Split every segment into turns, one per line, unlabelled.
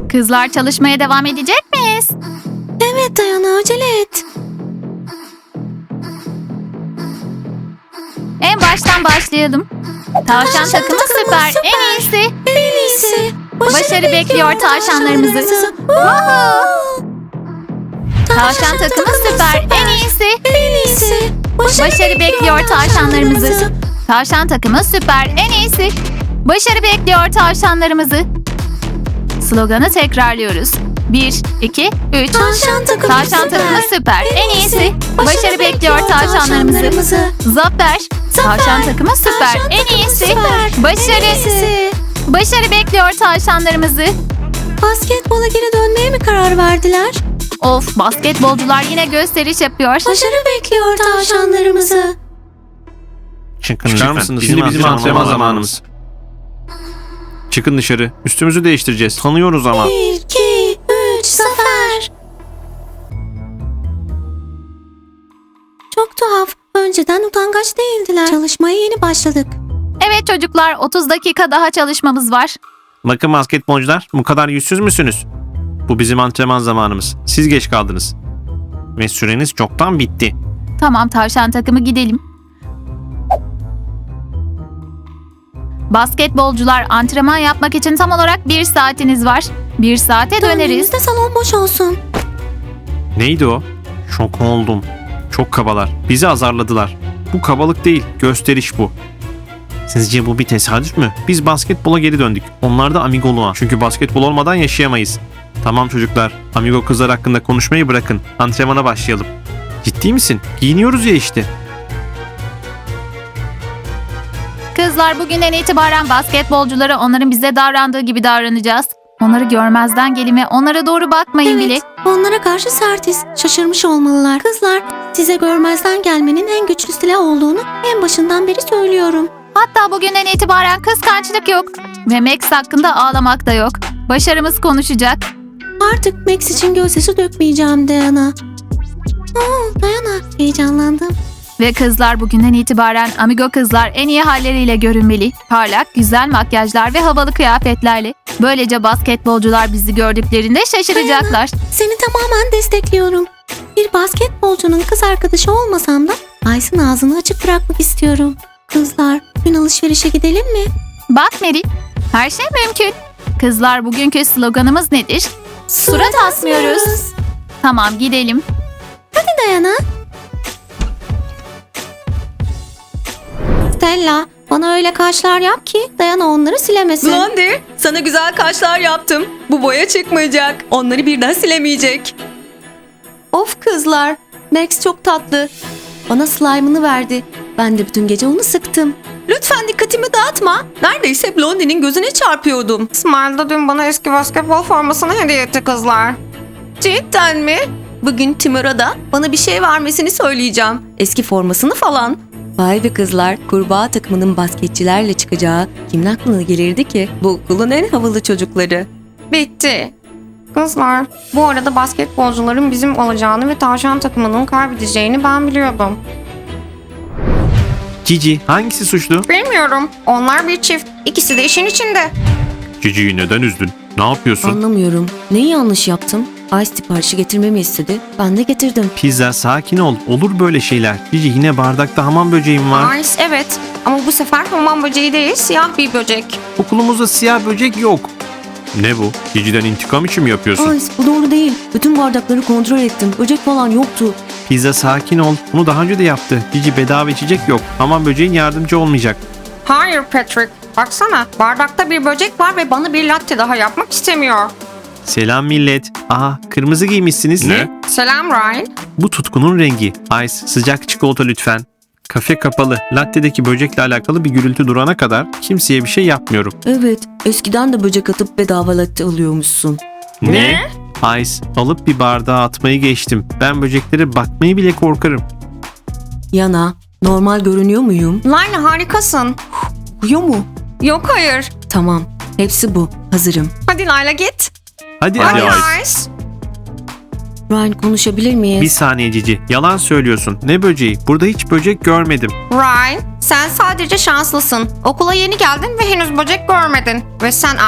Kızlar çalışmaya devam edecek miyiz?
Evet Dayana, acele et.
En baştan başlayalım. Tavşan takımı süper. En iyisi.
En iyisi.
Başarı bekliyor tavşanlarımızı. Woohoo! Tavşan takımı süper. En iyisi.
En iyisi.
Başarı bekliyor tavşanlarımızı. Tavşan takımı süper. En iyisi. Başarı bekliyor tavşanlarımızı. Sloganı tekrarlıyoruz. 1, 2, 3.
Tavşan
Takımı süper. En iyisi. Başarı bekliyor tavşanlarımızı. Zafer. Tavşan takımı süper. En iyisi. Başarı bekliyor tavşanlarımızı.
Basketbola geri dönmeye mi karar verdiler?
Of, basketbolcular yine gösteriş yapıyor.
Başarı bekliyor tavşanlarımızı.
Çıkın
Çıkar
lütfen.
mısınız?
Bizim antrenman zamanımız.
Çıkın dışarı. Üstümüzü değiştireceğiz. Tanıyoruz ama.
1, 2, 3, Zafer. Çok tuhaf. Önceden utangaç değildiler. Çalışmaya yeni başladık.
Evet çocuklar, 30 dakika daha çalışmamız var.
Bakın basketbolcular, bu kadar yüzsüz müsünüz? Bu bizim antrenman zamanımız. Siz geç kaldınız. Ve süreniz çoktan bitti.
Tamam, tavşan takımı gidelim. Basketbolcular, antrenman yapmak için tam olarak 1 saatiniz var. 1 saate döneriz.
Döndüğümüzde salon boş olsun.
Neydi o? Şok oldum. Çok kabalar. Bizi azarladılar. Bu kabalık değil, gösteriş bu. Sizce bu bir tesadüf mü? Biz basketbola geri döndük. Onlar da amigoluğa. Çünkü basketbol olmadan yaşayamayız. Tamam çocuklar, amigo kızlar hakkında konuşmayı bırakın. Antrenmana başlayalım. Ciddi misin? Giyiniyoruz ya işte.
Kızlar, bugünden itibaren basketbolculara onların bize davrandığı gibi davranacağız. Onları görmezden gelin ve onlara doğru bakmayın bile.
Evet, onlara karşı sertiz. Şaşırmış olmalılar. Kızlar, size görmezden gelmenin en güçlü silah olduğunu en başından beri söylüyorum.
Hatta bugünden itibaren kıskançlık yok. Ve Max hakkında ağlamak da yok. Başarımız konuşacak.
Artık Max için gözyaşı dökmeyeceğim Dayana. Dayana, heyecanlandım.
Ve kızlar, bugünden itibaren amigo kızlar en iyi halleriyle görünmeli. Parlak, güzel makyajlar ve havalı kıyafetlerle. Böylece basketbolcular bizi gördüklerinde şaşıracaklar.
Seni tamamen destekliyorum. Bir basketbolcunun kız arkadaşı olmasam da Ice'ın ağzını açık bırakmak istiyorum. Kızlar, gün alışverişe gidelim mi?
Bak Mary, her şey mümkün. Kızlar, bugünkü sloganımız nedir? Surat asmıyoruz. Tamam, gidelim.
Hadi Dayana. Stella, bana öyle kaşlar yap ki Dayana onları silemesin.
Blondie, sana güzel kaşlar yaptım. Bu boya çıkmayacak. Onları birden silemeyecek.
Of kızlar, Max çok tatlı. Bana slime'ını verdi. Ben de bütün gece onu sıktım.
Lütfen dikkatimi dağıtma. Neredeyse Blondie'nin gözüne çarpıyordum.
Smile dün bana eski basketbol formasını hediye etti kızlar.
Cidden mi? Bugün Timur'a da bana bir şey vermesini söyleyeceğim. Eski formasını falan. Vay be kızlar, kurbağa takımının basketçilerle çıkacağı kimin aklına gelirdi ki? Bu okulun en havalı çocukları.
Bitti. Kızlar, bu arada basketbolcuların bizim olacağını ve tavşan takımının kaybedeceğini ben biliyordum.
Cici, hangisi suçlu?
Bilmiyorum. Onlar bir çift. İkisi de işin içinde.
Cici'yi neden üzdün? Ne yapıyorsun?
Anlamıyorum. Neyi yanlış yaptım? Ice siparişi getirmemi istedi. Ben de getirdim.
Pizza, sakin ol. Olur böyle şeyler. Cici, yine bardakta hamam böceğim var.
Ice evet. Ama bu sefer hamam böceği değil, siyah bir böcek.
Okulumuzda siyah böcek yok. Ne bu? Cici'den intikam için mi yapıyorsun?
Ice, bu doğru değil. Bütün bardakları kontrol ettim. Böcek falan yoktu.
Pizza, sakin ol. Bunu daha önce de yaptı. Cici, bedava içecek yok. Hamam böceğin yardımcı olmayacak.
Hayır Patrick. Baksana, bardakta bir böcek var ve bana bir latte daha yapmak istemiyor.
Selam millet. Aha, kırmızı giymişsiniz. Ne?
Selam Ryan.
Bu tutkunun rengi. Ice, sıcak çikolata lütfen. Kafe kapalı. Latte'deki böcekle alakalı bir gürültü durana kadar kimseye bir şey yapmıyorum.
Evet, eskiden de böcek atıp bedava latte alıyormuşsun.
Ne? Ice, alıp bir bardağa atmayı geçtim. Ben böceklere bakmayı bile korkarım.
Yana, normal görünüyor muyum?
Line harikasın.
Uyuyor mu?
Yok hayır.
Tamam, hepsi bu. Hazırım.
Hadi Layla git.
Hadi
Hadi
Ice.
Ice.
Ryan, konuşabilir miyiz?
Bir saniye Cici. Yalan söylüyorsun. Ne böceği? Burada hiç böcek görmedim.
Ryan, sen sadece şanslısın. Okula yeni geldin ve henüz böcek görmedin. Ve sen Ice,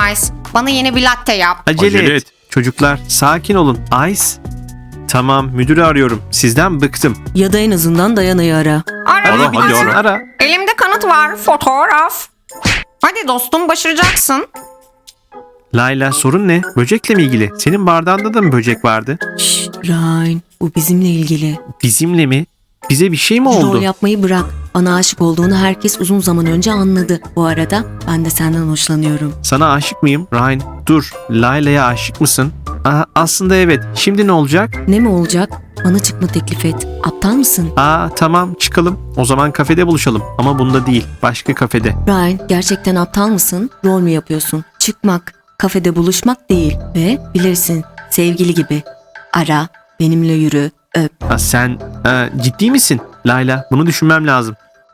bana yeni bir latte yap.
Acele et. Çocuklar sakin olun. Ice. Tamam, müdürü arıyorum. Sizden bıktım.
Ya da en azından Dayana'yı ara.
Ara.
Hadi ara.
Ara.
Elimde kanıt var. Fotoğraf. Hadi dostum, başaracaksın.
Layla, sorun ne? Böcekle mi ilgili? Senin bardağında da mı böcek vardı?
Şşt Ryan, bu bizimle ilgili.
Bizimle mi? Bize bir şey mi
Rol
oldu?
yapmayı bırak. Bana aşık olduğunu herkes uzun zaman önce anladı. Bu arada ben de senden hoşlanıyorum.
Sana aşık mıyım? Ryan, dur. Layla'ya aşık mısın? Aslında evet. Şimdi ne olacak?
Ne mi olacak? Bana çıkma teklif et. Aptal mısın?
Tamam, çıkalım. O zaman kafede buluşalım. Ama bunda değil. Başka kafede.
Ryan, gerçekten aptal mısın? Rol mü yapıyorsun? Çıkmak, kafede buluşmak değil. Ve bilirsin, sevgili gibi. Ara, benimle yürü, öp.
Sen ciddi misin? Layla, bunu düşünmem lazım.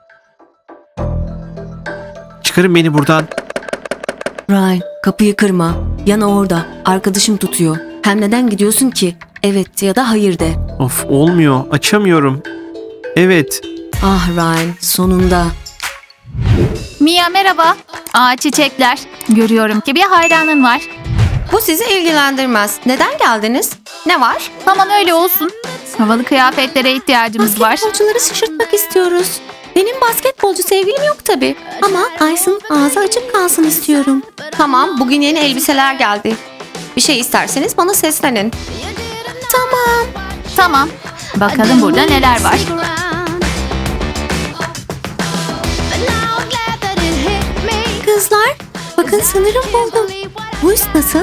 Çıkarın beni buradan.
Ryan, kapıyı kırma. Yana orada. Arkadaşım tutuyor. Hem neden gidiyorsun ki? Evet ya da hayır de.
Of, olmuyor. Açamıyorum. Evet.
Ah Ryan, sonunda.
Mia merhaba. Çiçekler. Görüyorum ki bir hayranın var.
Bu sizi ilgilendirmez. Neden geldiniz? Ne var?
Aman öyle olsun. Havalı kıyafetlere ihtiyacımız var.
Basketbolcuları şaşırtmak istiyoruz. Benim basketbolcu sevgilim yok tabii. Ama Ice'ın ağzı açık kalsın istiyorum.
Tamam, bugün yeni elbiseler geldi. Bir şey isterseniz bana seslenin.
Tamam. Bakalım burada neler var.
Kızlar, bakın sanırım buldum. Bu üst nasıl?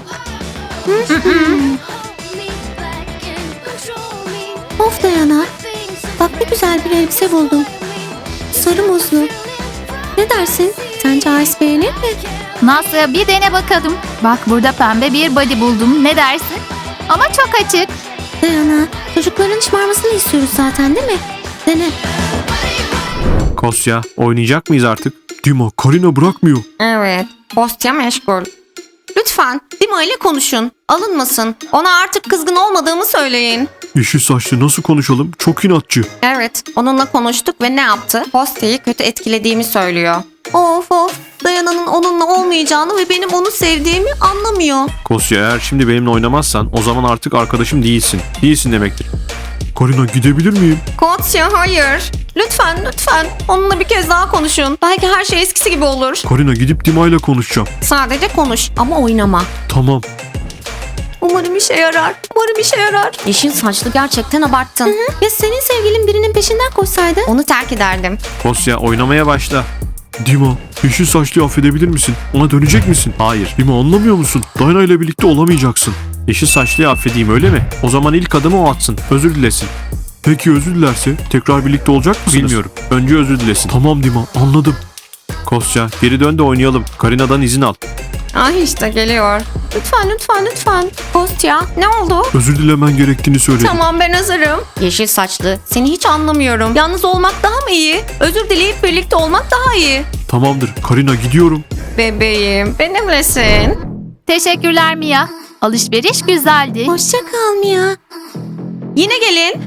Of Dayana. Bak ne güzel bir elbise buldum. Sarı muzlu. Ne dersin? Sence Ice beğenir mi?
Nasıl bir dene bakalım. Bak burada pembe bir body buldum. Ne dersin? Ama çok açık.
Dayana, çocukların şımarmasını istiyoruz zaten değil mi? Dene.
Kosya, oynayacak mıyız artık? Dima, Karina bırakmıyor.
Evet, Kostya meşgul. Lütfen Dima ile konuşun. Alınmasın. Ona artık kızgın olmadığımı söyleyin.
Yeşil saçlı nasıl konuşalım? Çok inatçı.
Evet, onunla konuştuk ve ne yaptı? Kostya'yı kötü etkilediğimi söylüyor.
Of of. Dayana'nın onunla olmayacağını ve benim onu sevdiğimi anlamıyor.
Kosya, eğer şimdi benimle oynamazsan o zaman artık arkadaşım değilsin. Değilsin demektir. Karina, gidebilir miyim?
Kostya hayır. Lütfen onunla bir kez daha konuşun. Belki her şey eskisi gibi olur.
Karina, gidip Dima ile konuşacağım.
Sadece konuş ama oynama.
Tamam.
Umarım işe yarar.
Yeşil saçlı gerçekten abarttın.
Ya senin sevgilin birinin peşinden koşsaydı?
Onu terk ederdim.
Kosya, oynamaya başla. Dima, yeşil saçlıyı affedebilir misin? Ona dönecek misin? Hayır. Dima, anlamıyor musun? Dayana ile birlikte olamayacaksın. Yeşil saçlıyı affedeyim, öyle mi? O zaman ilk adımı o atsın. Özür dilesin. Peki özür dilerse tekrar birlikte olacak mısınız? Bilmiyorum. Önce özür dilesin. Tamam Dima, anladım. Kosya, geri dön de oynayalım. Karina'dan izin al.
Ah işte geliyor. Lütfen. Kostya ne oldu?
Özür dilemen gerektiğini söyledi.
Tamam ben hazırım. Yeşil saçlı. Seni hiç anlamıyorum. Yalnız olmak daha mı iyi? Özür dileyip birlikte olmak daha iyi.
Tamamdır. Karina, gidiyorum.
Bebeğim benimlesin.
Teşekkürler Mia. Alışveriş güzeldi.
Hoşça kal Mia.
Yine gelin.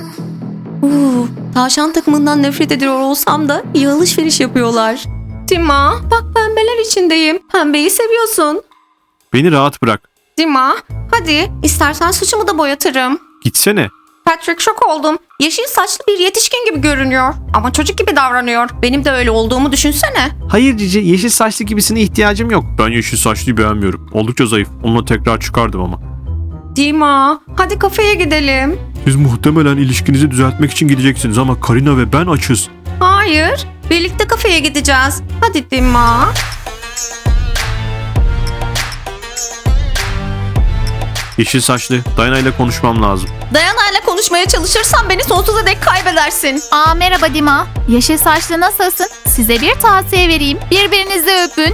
Tavşan takımından nefret ediyor olsam da iyi alışveriş yapıyorlar.
Dima bak pembeler içindeyim. Pembeyi seviyorsun.
Beni rahat bırak.
Dima hadi istersen saçımı da boyatırım.
Gitsene.
Patrick şok oldum. Yeşil saçlı bir yetişkin gibi görünüyor. Ama çocuk gibi davranıyor. Benim de öyle olduğumu düşünsene.
Hayır Cici, yeşil saçlı gibisine ihtiyacım yok. Ben yeşil saçlıyı beğenmiyorum. Oldukça zayıf. Onunla tekrar çıkardım ama.
Dima hadi kafeye gidelim.
Siz muhtemelen ilişkinizi düzeltmek için gideceksiniz ama Karina ve ben açız.
Hayır. Birlikte kafeye gideceğiz. Hadi Dima.
Yeşil saçlı, Dayana ile konuşmam lazım.
Dayana ile konuşmaya çalışırsan beni sonsuza dek kaybedersin.
Merhaba Dima. Yeşil saçlı nasılsın? Size bir tavsiye vereyim. Birbirinizi öpün.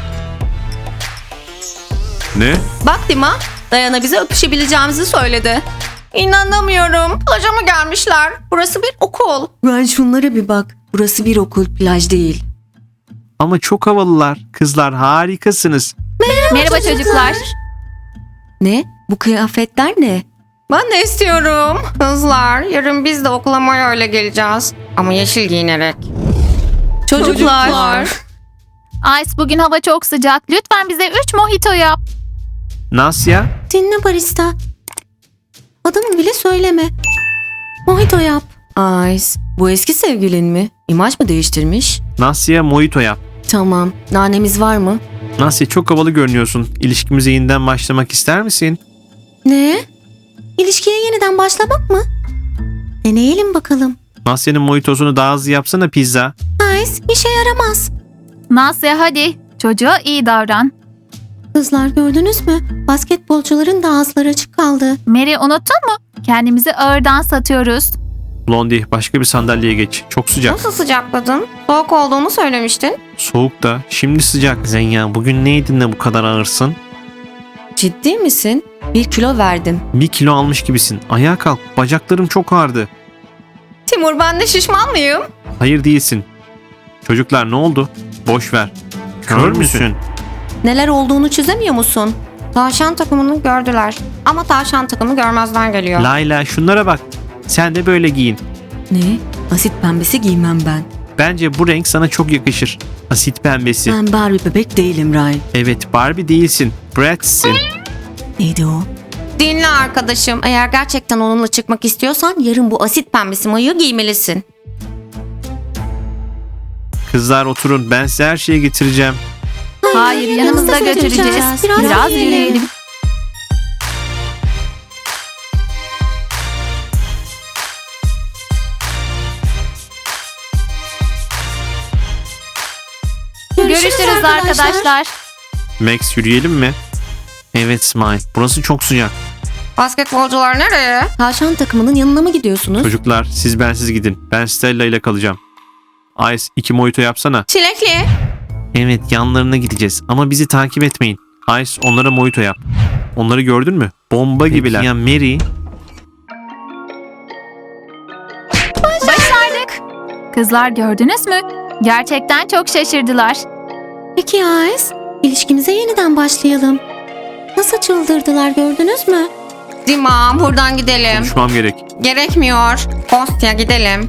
Ne?
Bak Dima, Dayana bize öpüşebileceğimizi söyledi. İnanamıyorum. Plaja mı gelmişler? Burası bir okul.
Ryan, şunlara bir bak. Burası bir okul, plaj değil.
Ama çok havalılar. Kızlar, harikasınız.
Merhaba çocuklar.
Ne? Bu kıyafetler ne?
Ben de istiyorum. Kızlar, yarın biz de okula öyle geleceğiz. Ama yeşil giyinerek.
Çocuklar.
Ice, bugün hava çok sıcak. Lütfen bize 3 mojito yap.
Nasya?
Dinle barista. Adımı bile söyleme. Mojito yap.
Ice, bu eski sevgilin mi? İmaj mı değiştirmiş?
Nasya mojito yap.
Tamam, nanemiz var mı?
Nasya çok havalı görünüyorsun. İlişkimize yeniden başlamak ister misin?
Ne? İlişkiye yeniden başlamak mı? Deneyelim bakalım.
Nasya'nın mojitosunu daha hızlı yapsana pizza.
Nice, işe yaramaz.
Nasya hadi. Çocuğa iyi davran.
Kızlar gördünüz mü? Basketbolcuların da ağızları açık kaldı.
Mary, unuttun mu? Kendimizi ağırdan satıyoruz.
Blondie başka bir sandalyeye geç. Çok sıcak.
Nasıl sıcakladın? Soğuk olduğunu söylemiştin.
Soğuk da şimdi sıcak. Zenya bugün ne yedin de bu kadar ağırsın?
Ciddi misin? 1 kilo verdim.
1 kilo almış gibisin. Ayağa kalk. Bacaklarım çok ağrıdı.
Timur, ben de şişman mıyım?
Hayır değilsin. Çocuklar ne oldu? Boş ver. Kör müsün?
Neler olduğunu çözemiyor musun?
Tavşan takımını gördüler. Ama tavşan takımı görmezden geliyor.
Layla şunlara bak. Sen de böyle giyin.
Ne? Asit pembesi giymem ben.
Bence bu renk sana çok yakışır. Asit pembesi.
Ben Barbie bebek değilim Ryan.
Evet Barbie değilsin. Brat'sin.
Neydi o?
Dinle arkadaşım. Eğer gerçekten onunla çıkmak istiyorsan yarın bu asit pembesi mayoyu giymelisin.
Kızlar oturun. Ben size her şeyi getireceğim.
Hayır, yanımızda götüreceğiz. Biraz yürüyelim. Görüşürüz arkadaşlar.
Max yürüyelim mi? Evet Smile. Burası çok sıcak.
Basketbolcular nereye?
Tavşan takımının yanına mı gidiyorsunuz?
Çocuklar siz bensiz gidin. Ben Stella ile kalacağım. Ice 2 mojito yapsana.
Çilekli.
Evet yanlarına gideceğiz ama bizi takip etmeyin. Ice onlara mojito yap. Onları gördün mü? Bomba gibiler. Ya Mary?
Başardık. Kızlar gördünüz mü? Gerçekten çok şaşırdılar.
Peki Ice, ilişkimize yeniden başlayalım. Nasıl çıldırdılar gördünüz mü?
Dima, buradan gidelim.
Konuşmam gerek.
Gerekmiyor. Kostya gidelim.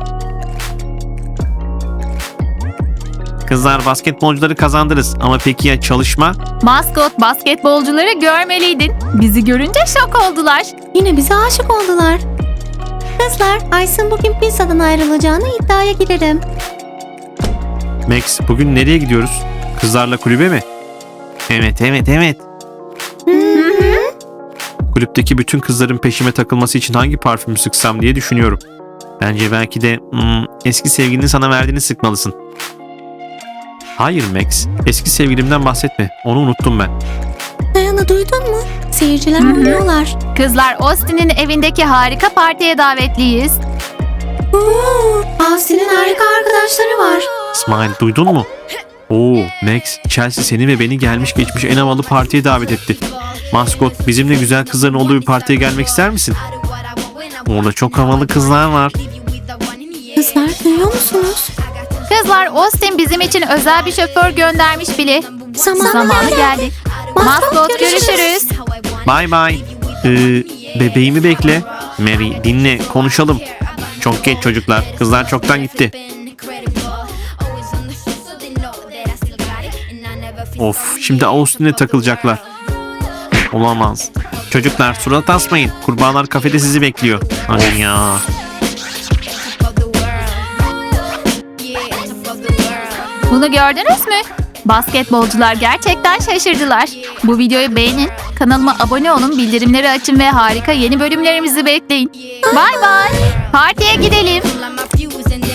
Kızlar basketbolcuları kazandınız ama peki ya çalışma?
Maskot, basketbolcuları görmeliydin. Bizi görünce şok oldular.
Yine bize aşık oldular. Kızlar, Ice'ın bugün pizzadan ayrılacağını iddiaya girerim.
Max bugün nereye gidiyoruz? Kızlarla kulübe mi? Evet. Kulüpteki bütün kızların peşime takılması için hangi parfümü sıksam diye düşünüyorum. Bence belki de eski sevgilinin sana verdiğini sıkmalısın. Hayır Max, eski sevgilimden bahsetme. Onu unuttum ben.
Dayan'ı duydun mu? Seyirciler oynuyorlar.
Kızlar, Austin'in evindeki harika partiye davetliyiz.
Austin'in harika arkadaşları var.
İsmail duydun mu? Oo Max, Chelsea seni ve beni gelmiş geçmiş en havalı partiye davet etti. Maskot, bizimle güzel kızların olduğu bir partiye gelmek ister misin? Orada çok havalı kızlar var.
Kızlar duyuyor musunuz?
Kızlar, Austin bizim için özel bir şoför göndermiş bile. Zamanı geldi. Maskot, görüşürüz.
Bye bye. Bebeğimi bekle. Mary dinle konuşalım. Çok geç çocuklar. Kızlar çoktan gitti. Of şimdi Austin'e takılacaklar. Olamaz. Çocuklar surat asmayın. Kurbağalar kafede sizi bekliyor. Hadi ya.
Bunu gördünüz mü? Basketbolcular gerçekten şaşırdılar. Bu videoyu beğenin, kanalıma abone olun, bildirimleri açın ve harika yeni bölümlerimizi bekleyin. Bye bye. Partiye gidelim.
Like my fuse and